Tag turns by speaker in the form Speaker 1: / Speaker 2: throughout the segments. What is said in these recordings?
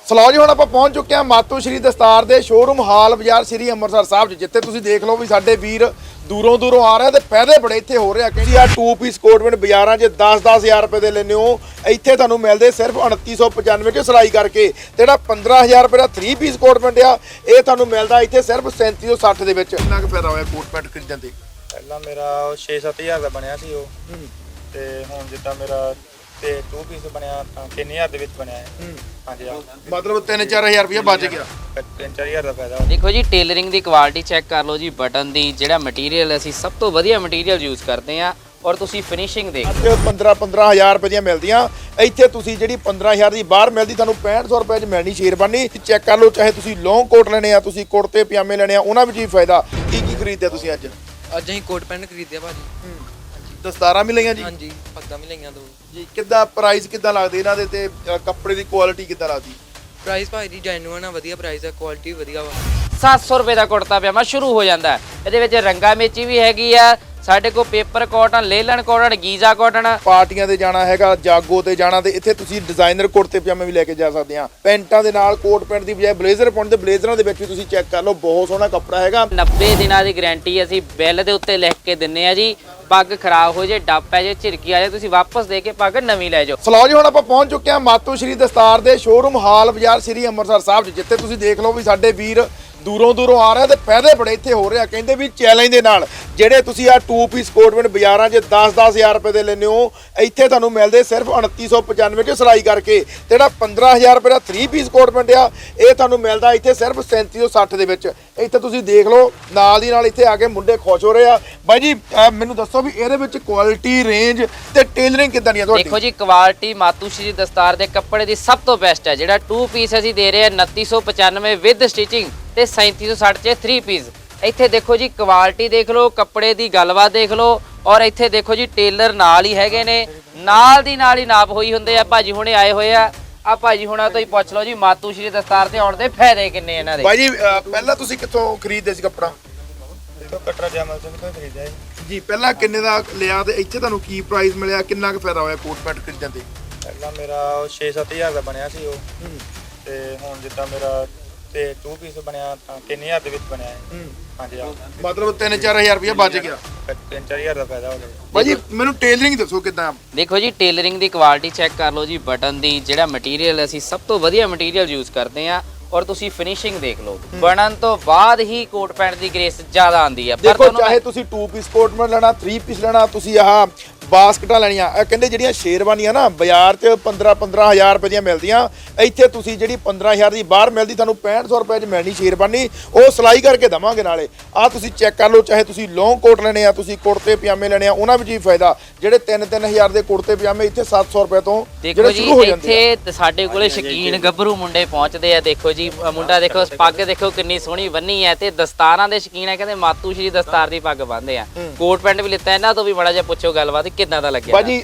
Speaker 1: Slow ਜੀ ਹੁਣ ਆਪਾਂ ਪਹੁੰਚ ਚੁੱਕੇ ਹਾਂ ਮਾਤੂ ਸ਼੍ਰੀ ਦਸਤਾਰ ਦੇ ਸ਼ੋਰੂਮ ਹਾਲ ਬਾਜ਼ਾਰ ਸ਼੍ਰੀ ਅੰਮ੍ਰਿਤਸਰ ਸਾਹਿਬ 'ਚ, ਜਿੱਥੇ ਤੁਸੀਂ ਦੇਖ ਲਓ ਵੀ ਸਾਡੇ ਵੀਰ ਦੂਰੋਂ ਆ ਰਹੇ ਤੇ ਫਾਇਦੇ ਬੜੇ ਇੱਥੇ ਹੋ ਰਿਹਾ। ਕਹਿੰਦੀ ਆ 2 ਪੀਸ ਕੋਟਮੈਂਟ ਬਾਜ਼ਾਰਾਂ 'ਚ 10-10000 ਰੁਪਏ ਦੇ ਲੈਂਦੇ ਹੋ, ਇੱਥੇ ਤੁਹਾਨੂੰ ਮਿਲਦੇ ਸਿਰਫ 2995 'ਚ ਸਿਲਾਈ ਕਰਕੇ। ਤੇ ਜਿਹੜਾ 15000 ਰੁਪਏ ਦਾ 3 ਪੀਸ ਕੋਟਮੈਂਟ ਆ ਇਹ ਤੁਹਾਨੂੰ ਮਿਲਦਾ ਇੱਥੇ ਸਿਰਫ 3760 ਦੇ ਵਿੱਚ। ਕਿੰਨਾ ਕੁ ਫਾਇਦਾ ਹੋਇਆ ਕੋਟਮੈਂਟ ਖਰੀਦਣ ਤੇ?
Speaker 2: ਪਹਿਲਾਂ ਮੇਰਾ 6-7000 ਦਾ ਬਣਿਆ ਸੀ ਉਹ, ਤੇ ਹੁਣ ਜਿੱਦਾਂ ਮੇਰਾ ਤੇ 2 ਪੀਸ ਬਣਿਆ ਤਾਂ 3000 ਦੇ ਵਿੱਚ ਬਣਿਆ ਹੈ। ਹਾਂਜੀ
Speaker 1: ਮਤਲਬ 3-4000 ਰੁਪਏ ਬਚ ਗਿਆ।
Speaker 2: 3-4000 ਦਾ ਫਾਇਦਾ।
Speaker 3: ਦੇਖੋ ਜੀ ਟੇਲਰਿੰਗ ਦੀ ਕੁਆਲਿਟੀ ਚੈੱਕ ਕਰ ਲਓ ਜੀ, ਬਟਨ ਦੀ ਜਿਹੜਾ ਮਟੀਰੀਅਲ ਅਸੀਂ ਸਭ ਤੋਂ ਵਧੀਆ ਮਟੀਰੀਅਲ ਯੂਜ਼ ਕਰਦੇ ਆ, ਔਰ ਤੁਸੀਂ ਫਿਨਿਸ਼ਿੰਗ ਦੇਖ
Speaker 1: 15-15000 ਰੁਪਏ ਦੀਆਂ ਮਿਲਦੀਆਂ ਇੱਥੇ। ਤੁਸੀਂ ਜਿਹੜੀ 15000 ਦੀ ਬਾਹਰ ਮਿਲਦੀ ਤੁਹਾਨੂੰ 6500 ਰੁਪਏ 'ਚ ਮਿਲਣੀ ਸ਼ੇਰਵਾਨੀ। ਚੈੱਕ ਕਰ ਲਓ, ਚਾਹੇ ਤੁਸੀਂ ਲੌਂਗ ਕੋਟ ਲੈਣੇ ਆ, ਤੁਸੀਂ ਕੁੜਤੇ ਪਜਾਮੇ ਲੈਣੇ ਆ, ਉਹਨਾਂ ਵਿੱਚ ਵੀ ਫਾਇਦਾ। ਕੀ ਖਰੀਦਿਆ ਤੁਸੀਂ ਅੱਜ?
Speaker 4: ਅੱਜ ਅਸੀਂ ਕੋਟ ਪੈਂਟ ਖਰੀਦਿਆ ਭਾਜੀ।
Speaker 1: ਦਸਤਾਰਾਂ ਵੀ ਲਈਆਂ ਜੀ?
Speaker 4: ਹਾਂਜੀ, ਪੱਗਾਂ ਵੀ ਲਈਆਂ 2
Speaker 1: ਜੀ। ਕਿੱਦਾਂ ਪ੍ਰਾਈਸ ਕਿੱਦਾਂ ਲੱਗਦੇ ਇਹਨਾਂ ਦੇ ਤੇ ਕੱਪੜੇ ਦੀ ਕੁਆਲਿਟੀ ਕਿੱਦਾਂ ਲੱਗਦੀ?
Speaker 4: ਪ੍ਰਾਈਸ ਭਾਜੀ ਦੀ ਜੈਨੂਇਨ ਆ, ਵਧੀਆ ਪ੍ਰਾਈਸ ਆ, ਕੁਆਲਿਟੀ ਵੀ ਵਧੀਆ ਵਾ।
Speaker 3: 700 ਰੁਪਏ ਦਾ ਕੁੜਤਾ ਪਜਾਮਾ ਸ਼ੁਰੂ ਹੋ ਜਾਂਦਾ ਹੈ। ਇਹਦੇ ਵਿੱਚ ਰੰਗਾ ਮੇਚੀ ਵੀ ਹੈਗੀ ਆ, ਸਾਡੇ ਕੋਲ paper cotton, linen cotton, Giza cotton.
Speaker 1: ਪਾਰਟੀਆਂ ਤੇ ਜਾਣਾ ਹੈਗਾ, ਜਾਗੋ ਤੇ ਜਾਣਾ, ਤੇ ਇੱਥੇ ਤੁਸੀਂ ਡਿਜ਼ਾਈਨਰ ਕੁੜਤੇ ਪਜਾਮੇ ਵੀ ਲੈ ਕੇ ਜਾ ਸਕਦੇ ਆ। ਪੈਂਟਾਂ ਦੇ ਨਾਲ ਕੋਟ ਪੈਂਟ ਦੀ ਬਜਾਏ ਬਲੇਜ਼ਰ ਪਾਉਣ ਤੇ ਬਲੇਜ਼ਰਾਂ ਦੇ ਵਿੱਚ ਵੀ ਤੁਸੀਂ ਚੈੱਕ ਕਰ ਲਓ, ਬਹੁਤ ਸੋਹਣਾ ਕੱਪੜਾ ਹੈਗਾ।
Speaker 3: 90 ਦਿਨਾਂ ਦੀ ਗਾਰੰਟੀ ਅਸੀਂ ਬਿੱਲ ਦੇ ਉੱਤੇ ਲਿਖ ਕੇ ਦਿੰਨੇ ਆ ਜੀ। ਪੱਗ ਖਰਾਬ ਹੋ ਜੇ, ਡੱਬ ਪੈ ਜੇ, ਝਿਰਕੀ ਆ ਜੇ, ਤੁਸੀਂ ਵਾਪਸ ਦੇ ਕੇ ਪੱਗ ਨਵੀਂ ਲੈ ਜਾਓ।
Speaker 1: ਸਲੋ ਜੀ ਹੁਣ ਆਪਾਂ ਪਹੁੰਚ ਚੁੱਕੇ ਹਾਂ ਮਾਤੂ ਸ਼੍ਰੀ ਦਸਤਾਰ ਦੇ ਸ਼ੋਰੂਮ ਹਾਲ ਬਾਜ਼ਾਰ ਸ਼੍ਰੀ ਅੰਮ੍ਰਿਤਸਰ ਸਾਹਿਬ 'ਚ, ਜਿੱਥੇ ਤੁਸੀਂ ਦੇਖ ਲਓ ਵੀ ਸਾਡੇ ਵੀਰ ਦੂਰੋਂ ਆ ਰਹੇ ਤੇ ਫਾਇਦੇ ਬੜੇ ਇੱਥੇ ਹੋ ਰਿਹਾ। ਕਹਿੰਦੇ ਵੀ ਚੈਲੰਜ ਦੇ ਨਾਲ ਜਿਹੜੇ ਤੁਸੀਂ ਆ 2 ਪੀਸ ਕੋਟਮੈਂਟ ਬਾਜ਼ਾਰਾਂ 'ਚ 10-10000 ਰੁਪਏ ਦੇ ਲੈਂਦੇ ਹੋ, ਇੱਥੇ ਤੁਹਾਨੂੰ ਮਿਲਦੇ ਸਿਰਫ 2995 'ਚ ਸਿਲਾਈ ਕਰਕੇ। ਤੇ ਜਿਹੜਾ 15000 ਰੁਪਏ ਦਾ 3 ਪੀਸ ਕੋਟਮੈਂਟ ਆ ਇਹ ਤੁਹਾਨੂੰ ਮਿਲਦਾ ਇੱਥੇ ਸਿਰਫ 3760 ਦੇ ਵਿੱਚ। ਇੱਥੇ ਤੁਸੀਂ ਦੇਖ ਲਓ, ਨਾਲ ਦੀ ਨਾਲ ਇੱਥੇ ਆ ਕੇ ਮੁੰਡੇ ਖੁਸ਼ ਹੋ ਰਹੇ ਆ। ਬਾਈ ਜੀ ਮੈਨੂੰ ਦੱਸੋ ਵੀ ਇਹਦੇ ਵਿੱਚ ਕੁਆਲਿਟੀ, ਰੇਂਜ ਤੇ ਟੇਲਰਿੰਗ ਕਿੱਦਾਂ ਦੀ ਆ ਤੁਹਾਡੀ?
Speaker 3: ਦੇਖੋ ਜੀ ਕੁਆਲਿਟੀ ਮਾਤੂ ਸ਼੍ਰੀ ਦਸਤਾਰ ਦੇ ਕੱਪੜੇ ਦੀ ਸਭ ਤੋਂ ਬੈਸਟ ਹੈ। ਜਿਹੜਾ 2 ਪੀਸ ਅਸੀਂ ਦੇ ਰਹੇ ਹਾਂ 2995 ਵਿਦ ਸਟਿਚਿੰਗ ਤੇ 3760 'ਚ 3 ਪੀਸ। ਇੱਥੇ ਦੇਖੋ ਜੀ ਕੁਆਲਿਟੀ ਦੇਖ ਲਓ, ਕੱਪੜੇ ਦੀ ਗੱਲਬਾਤ ਦੇਖ ਲਓ, ਔਰ ਇੱਥੇ ਦੇਖੋ ਜੀ ਟੇਲਰ ਨਾਲ ਹੀ ਹੈਗੇ ਨੇ, ਨਾਲ ਦੀ ਨਾਲ ਹੀ ਨਾਪ ਹੋਈ ਹੁੰਦੇ ਆ। ਭਾਜੀ ਹੁਣੇ ਆਏ ਹੋਏ ਆ ਭਾਜੀ ਹੁਣਾਂ ਤੋਂ ਹੀ ਪੁੱਛ ਲਓ ਜੀ ਮਾਤੂ ਸ਼੍ਰੀ ਦਸਤਾਰ ਤੇ ਆਉਣ ਦੇ ਫਾਇਦੇ ਕਿੰਨੇ ਇਹਨਾਂ ਦੇ।
Speaker 1: ਬਾਈ ਜੀ ਪਹਿਲਾਂ ਤੁਸੀਂ ਕਿੱਥੋਂ ਖਰੀਦਦੇ ਸੀ ਕੱਪੜਾ?
Speaker 2: ਤੋਂ ਕਟਰਾ ਜਮਲ ਸਿੰਘ ਤੋਂ ਖਰੀਦਿਆ
Speaker 1: ਜੀ। ਪਹਿਲਾਂ ਕਿੰਨੇ ਦਾ ਲਿਆ ਤੇ ਇੱਥੇ ਤੁਹਾਨੂੰ ਕੀ ਪ੍ਰਾਈਸ ਮਿਲਿਆ, ਕਿੰਨਾ ਕੁ ਫਾਇਦਾ ਹੋਇਆ ਕੋਟ ਪੈਂਟ ਖਰੀਦਣ ਤੇ?
Speaker 2: ਪਹਿਲਾਂ ਮੇਰਾ 6-7000 ਦਾ ਬਣਿਆ ਸੀ ਉਹ, ਤੇ ਹੁਣ ਜਿੱਦਾਂ ਮੇਰਾ ਤੇ 2 ਪੀਸ ਬਣਿਆ ਤਾਂ 3000 ਦੇ ਵਿੱਚ ਬਣਿਆ ਹੈ। ਹਾਂਜੀ
Speaker 1: ਮਤਲਬ 3-4000 ਰੁਪਏ ਬਚ ਗਿਆ।
Speaker 2: 3-4000 ਦਾ ਫਾਇਦਾ ਹੋ ਗਿਆ।
Speaker 1: ਭਾਜੀ ਮੈਨੂੰ ਟੇਲਰਿੰਗ ਦੱਸੋ ਕਿੱਦਾਂ?
Speaker 3: ਦੇਖੋ ਜੀ ਟੇਲਰਿੰਗ ਦੀ ਕੁਆਲਿਟੀ ਚੈੱਕ ਕਰ ਲਓ ਜੀ, ਬਟਨ ਦੀ ਜਿਹੜਾ ਮਟੀਰੀਅਲ ਅਸੀਂ ਸਭ ਤੋਂ ਵਧੀਆ ਮਟੀਰੀਅਲ ਯੂਜ਼ ਕਰਦੇ ਆ, ਔਰ ਤੁਸੀਂ ਫਿਨਿਸ਼ਿੰਗ ਦੇਖ ਲਓ। ਬਣਨ ਤੋਂ ਬਾਅਦ ਹੀ ਕੋਟ ਪੈਂਟ ਦੀ ਗ੍ਰੇਸ ਜ਼ਿਆਦਾ ਆਉਂਦੀ ਹੈ।
Speaker 1: ਦੇਖੋ ਚਾਹੇ ਤੁਸੀਂ 2 ਪੀਸ ਕੋਟਮੈਂਟ ਲੈਣਾ, 3 ਪੀਸ ਲੈਣਾ, ਤੁਸੀਂ ਆਹ ਬਾਸਕਟਾਂ ਲੈਣੀਆਂ, ਇਹ ਕਹਿੰਦੇ ਜਿਹੜੀਆਂ ਸ਼ੇਰਵਾਨੀਆਂ ਨਾ ਬਾਜ਼ਾਰ 'ਚ 15-15000 ਰੁਪਏ ਦੀਆਂ ਮਿਲਦੀਆਂ, ਇੱਥੇ ਤੁਸੀਂ ਜਿਹੜੀ 15000 ਦੀ ਬਾਹਰ ਮਿਲਦੀ ਤੁਹਾਨੂੰ 6500 ਰੁਪਏ 'ਚ ਮਿਲਣੀ ਸ਼ੇਰਵਾਨੀ। ਉਹ ਸਿਲਾਈ ਕਰਕੇ ਦਵਾਂਗੇ ਨਾਲੇ। ਆਹ ਤੁਸੀਂ ਚੈੱਕ ਕਰ ਲਓ, ਚਾਹੇ ਤੁਸੀਂ ਲੌਂਗ ਕੋਟ ਲੈਣੇ ਆ, ਤੁਸੀਂ ਕੁੜਤੇ ਪਜਾਮੇ ਲੈਣੇ ਆ, ਉਹਨਾਂ ਵਿੱਚ ਵੀ ਫਾਇਦਾ। ਜਿਹੜੇ 3-3000 ਦੇ ਕੁੜਤੇ ਪਜਾਮੇ ਇੱਥੇ 700 ਰੁਪਏ ਤੋਂ ਜਿਹੜੇ ਸ਼ੁਰੂ ਹੋ ਜਾਂਦੇ ਆ।
Speaker 3: ਇੱਥੇ ਸਾਡੇ ਕੋਲੇ ਸ਼ੌਕੀਨ ਗੱਭਰੂ ਮੁੰਡੇ ਪਹੁੰਚਦੇ ਆ। ਦੇਖੋ ਜੀ ਮੁੰਡਾ ਦੇਖੋ, ਪੱਗ ਦੇਖੋ ਕਿੰਨੀ ਸੋਹਣੀ ਬੰਨੀ ਹੈ, ਤੇ ਦਸਤਾਰਾਂ ਦੇ ਸ਼ੌਕੀਨ ਹੈ। ਕਹਿੰਦੇ ਮਾਤੂ ਸ਼੍ਰੀ ਦਸਤਾਰ ਦੀ ਪੱਗ ਬੰਨ੍ਹਦੇ ਆ। ਕੋਟ ਪੈਂਟ ਵੀ ਲਿੱਤਾ, ਇਹਨਾਂ ਤੋਂ ਵੀ ਮਾੜਾ ਜਿਹਾ ਪੁੱਛੋ ਗੱਲਬਾਤ ਕਿੱਦਾਂ ਦਾ ਲੱਗਿਆ।
Speaker 1: ਭਾਜੀ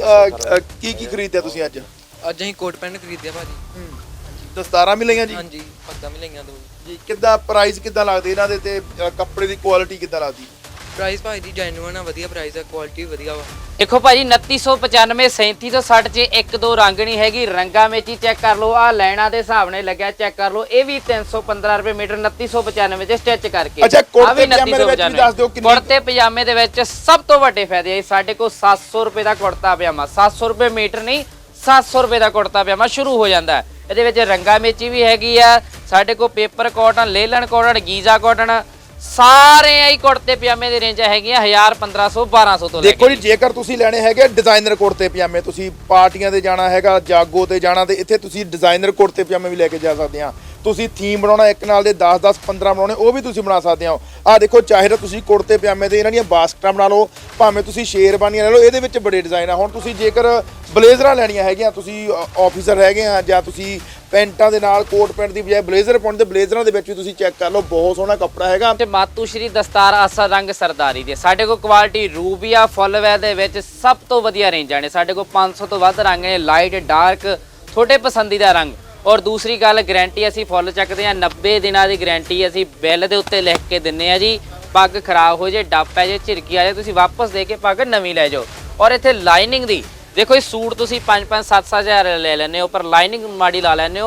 Speaker 1: ਕੀ ਖਰੀਦਿਆ ਤੁਸੀਂ ਅੱਜ?
Speaker 4: ਅੱਜ ਅਸੀਂ ਕੋਟ ਪੈਂਟ ਖਰੀਦਿਆ ਭਾਜੀ।
Speaker 1: ਦਸਤਾਰਾਂ ਵੀ ਲਈਆਂ ਜੀ?
Speaker 4: ਹਾਂਜੀ, ਪੱਗਾਂ ਵੀ ਲਈਆਂ 2
Speaker 1: ਜੀ। ਕਿੱਦਾਂ ਪ੍ਰਾਈਸ ਕਿੱਦਾਂ ਲੱਗਦੇ ਇਹਨਾਂ ਦੇ ਤੇ ਕੱਪੜੇ ਦੀ ਕੁਆਲਿਟੀ ਕਿੱਦਾਂ ਲੱਗਦੀ?
Speaker 4: ਪ੍ਰਾਈਸ ਭਾਜੀ ਦੀ ਜੈਨੂਇਨ ਆ, ਵਧੀਆ ਪ੍ਰਾਈਸ ਆ, ਕੁਆਲਿਟੀ ਵੀ ਵਧੀਆ ਵਾ।
Speaker 3: ਦੇਖੋ ਭਾਜੀ 2995 3760 'ਚ 1-2 ਰੰਗ ਨਹੀਂ ਹੈਗੀ। ਰੰਗਾ ਮੇਚੀ ਚੈੱਕ ਕਰ ਲਓ, ਆ ਲੈਣਾ ਦੇ ਹਿਸਾਬ ਨਾਲ ਲੱਗਿਆ, ਚੈੱਕ ਕਰ ਲਓ। ਇਹ ਵੀ 315 ਰੁਪਏ ਮੀਟਰ 2995 'ਚ ਸਟਿਚ ਕਰਕੇ।
Speaker 1: ਅੱਛਾ, ਕੁੜਤੇ ਪਜਾਮੇ ਦੇ ਵਿੱਚ ਵੀ ਦੱਸ ਦਿਓ ਕਿੰਨੀ?
Speaker 3: ਕੁੜਤੇ ਪਜਾਮੇ ਦੇ ਵਿੱਚ ਸਭ ਤੋਂ ਵੱਡੇ ਫਾਇਦੇ ਆ। ਸਾਡੇ ਕੋਲ 700 ਰੁਪਏ ਦਾ ਕੁੜਤਾ ਪਜਾਮਾ, 700 ਰੁਪਏ ਮੀਟਰ ਨਹੀਂ 700 ਰੁਪਏ ਦਾ ਕੁੜਤਾ ਪਜਾਮਾ ਸ਼ੁਰੂ ਹੋ ਜਾਂਦਾ ਹੈ। ਇਹਦੇ ਵਿੱਚ ਰੰਗਾ ਮੇਚੀ ਵੀ ਹੈਗੀ ਆ, ਸਾਡੇ ਕੋਲ paper cotton, linen cotton, Giza cotton, ਸਾਰੇ ਹੀ ਕੁੜਤੇ ਪਜਾਮੇ ਦੀ ਰੇਂਜ ਹੈਗੀਆਂ 1000 1500 1200 ਤੋਂ ਲੈ ਕੇ।
Speaker 1: ਦੇਖੋ ਜੀ ਜੇਕਰ ਤੁਸੀਂ ਲੈਣੇ ਹੈਗੇ ਡਿਜ਼ਾਈਨਰ ਕੁੜਤੇ ਪਜਾਮੇ, ਤੁਸੀਂ ਪਾਰਟੀਆਂ ਤੇ ਜਾਣਾ ਹੈਗਾ, ਜਾਗੋ ਤੇ ਜਾਣਾ, ਤੇ ਇੱਥੇ ਤੁਸੀਂ ਡਿਜ਼ਾਈਨਰ ਕੁੜਤੇ ਪਜਾਮੇ ਵੀ ਲੈ ਕੇ ਜਾ ਸਕਦੇ ਆ। ਤੁਸੀਂ ਥੀਮ ਬਣਾਉਣਾ ਇੱਕ ਨਾਲ ਦੇ 10-10 15 ਬਣਾਉਣੇ, ਉਹ ਵੀ ਤੁਸੀਂ ਬਣਾ ਸਕਦੇ ਹੋ। ਆਹ ਦੇਖੋ, ਚਾਹੇ ਤਾਂ ਤੁਸੀਂ ਕੁੜਤੇ ਪਜਾਮੇ ਤੇ ਇਹਨਾਂ ਦੀਆਂ ਬਾਸਕਟਾਂ ਬਣਾ ਲਓ, ਭਾਵੇਂ ਤੁਸੀਂ ਸ਼ੇਰਵਾਨੀਆਂ ਲੈ ਲਓ, ਇਹਦੇ ਵਿੱਚ ਬੜੇ ਡਿਜ਼ਾਈਨ ਆ। ਹੁਣ ਤੁਸੀਂ ਜੇਕਰ ਬਲੇਜ਼ਰਾਂ ਲੈਣੀਆਂ ਹੈਗੀਆਂ, ਤੁਸੀਂ ਆਫੀਸਰ ਹੈਗੇ ਆ, ਜਾਂ ਤੁਸੀਂ ਪੈਂਟਾਂ ਦੇ ਨਾਲ ਕੋਟ ਪੈਂਟ ਦੀ ਬਜਾਏ ਬਲੇਜ਼ਰ ਪਾਉਣ ਤੇ ਬਲੇਜ਼ਰਾਂ ਦੇ ਵਿੱਚ ਵੀ ਤੁਸੀਂ ਚੈੱਕ ਕਰ ਲਓ, ਬਹੁਤ ਸੋਹਣਾ ਕੱਪੜਾ ਹੈਗਾ।
Speaker 3: ਤੇ ਮਾਤੂ ਸ਼੍ਰੀ ਦਸਤਾਰ ਅਸਲ ਰੰਗ ਸਰਦਾਰੀ ਦੇ ਸਾਡੇ ਕੋਲ ਕੁਆਲਿਟੀ ਰੂਬੀਆ ਫੁੱਲਵੈਲ ਦੇ ਵਿੱਚ ਸਭ ਤੋਂ ਵਧੀਆ ਰੇਂਜਾਂ ਨੇ। ਸਾਡੇ ਕੋਲ 500 ਤੋਂ ਵੱਧ ਰੰਗ ਨੇ, ਲਾਈਟ ਡਾਰਕ ਤੁਹਾਡੇ ਪਸੰਦੀਦਾ ਰੰਗ। ਔਰ ਦੂਸਰੀ ਗੱਲ, ਗਾਰੰਟੀ ਅਸੀਂ ਫੁੱਲ ਚੱਕਦੇ ਆ। 90 ਦਿਨਾਂ ਦੀ ਗਾਰੰਟੀ ਅਸੀਂ ਬਿੱਲ ਦੇ ਉੱਤੇ ਲਿਖ ਕੇ ਦਿੰਨੇ ਆ ਜੀ। ਪੱਗ ਖਰਾਬ ਹੋ ਜੇ, ਡੱਬ ਪੈ ਜੇ, ਝਿਰਕੀ ਆ ਜੇ, ਤੁਸੀਂ ਵਾਪਸ ਦੇ ਕੇ ਪੱਗ ਨਵੀਂ ਲੈ ਜਾਓ। ਔਰ ਇੱਥੇ ਲਾਈਨਿੰਗ ਦੀ ਦੇਖੋ, ਇਹ ਸੂਟ ਤੁਸੀਂ 5-5 7-7 ਹਜ਼ਾਰ ਲੈ ਲੈਂਦੇ ਹੋ, ਪਰ ਲਾਈਨਿੰਗ ਮਾੜੀ ਲਾ ਲੈਂਦੇ ਹੋ।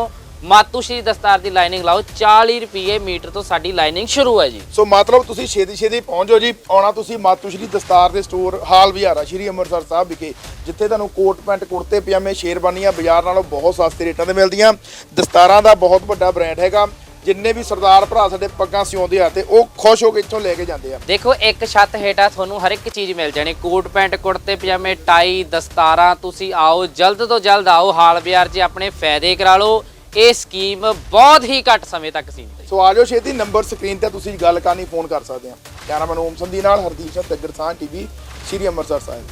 Speaker 3: ਮਾਤੂ ਸ਼੍ਰੀ ਦਸਤਾਰ ਦੀ ਲਾਈਨਿੰਗ ਲਾਓ 40 ਰੁਪਏ ਮੀਟਰ ਤੋਂ ਸਾਡੀ ਲਾਈਨਿੰਗ ਸ਼ੁਰੂ ਹੈ ਜੀ।
Speaker 1: ਸੋ ਮਤਲਬ ਤੁਸੀਂ ਛੇਤੀ ਪਹੁੰਚ ਜਾਓ ਜੀ। ਆਉਣਾ ਤੁਸੀਂ ਮਾਤੂ ਸ਼੍ਰੀ ਦਸਤਾਰ ਦੇ ਸਟੋਰ ਹਾਲ ਵਿਹਾਰਾ ਸ਼੍ਰੀ ਅੰਮ੍ਰਿਤਸਰ ਸਾਹਿਬ ਵਿਖੇ, ਜਿੱਥੇ ਤੁਹਾਨੂੰ ਕੋਟ ਪੈਂਟ ਕੁੜਤੇ ਪਜਾਮੇ ਸ਼ੇਰਵਾਨੀਆਂ ਬਾਜ਼ਾਰ ਨਾਲੋਂ ਬਹੁਤ ਸਸਤੇ ਰੇਟਾਂ ਤੇ ਮਿਲਦੀਆਂ। ਦਸਤਾਰਾਂ ਦਾ ਬਹੁਤ ਵੱਡਾ ਬ੍ਰਾਂਡ ਹੈਗਾ। ਜਿੰਨੇ ਵੀ ਸਰਦਾਰ ਭਰਾ ਸਾਡੇ ਪੱਗਾਂ ਸਿਉਂਦੇ ਆ ਤੇ ਉਹ ਖੁਸ਼ ਹੋ ਕੇ ਇੱਥੋਂ ਲੈ ਕੇ ਜਾਂਦੇ ਆ।
Speaker 3: ਦੇਖੋ ਇੱਕ ਛੱਤ ਹੇਠਾਂ ਤੁਹਾਨੂੰ ਹਰ ਇੱਕ ਚੀਜ਼ ਮਿਲ ਜਾਣੀ, ਕੋਟ ਪੈਂਟ ਕੁੜਤੇ ਪਜਾਮੇ ਟਾਈ ਦਸਤਾਰਾਂ। ਤੁਸੀਂ ਆਓ, ਜਲਦ ਤੋਂ ਜਲਦ ਆਓ, ਹਾਲ ਬਾਜ਼ਾਰ 'ਚ ਆਪਣੇ ਫਾਇਦੇ ਕਰਾ ਲਓ। ਇਹ ਸਕੀਮ ਬਹੁਤ ਹੀ ਘੱਟ ਸਮੇਂ ਤੱਕ ਸੀਮਿਤ ਹੈ।
Speaker 1: ਸੋ ਆ ਜਾਓ ਛੇਤੀ, ਨੰਬਰ ਸਕਰੀਨ ਤੇ ਤੁਸੀਂ ਗੱਲ ਕਰਨੀ ਫੋਨ ਕਰ ਸਕਦੇ ਆ। ਕੈਮਰਾਮੈਨ ਓਮ ਸੰਧੀ ਨਾਲ ਹਰਦੀਪ ਸਿੰਘ ਤੱਗੜ ਸਾਹ ਟੀਵੀ ਸ਼੍ਰੀ ਅੰਮ੍ਰਿਤਸਰ ਸਾਹਿਬ।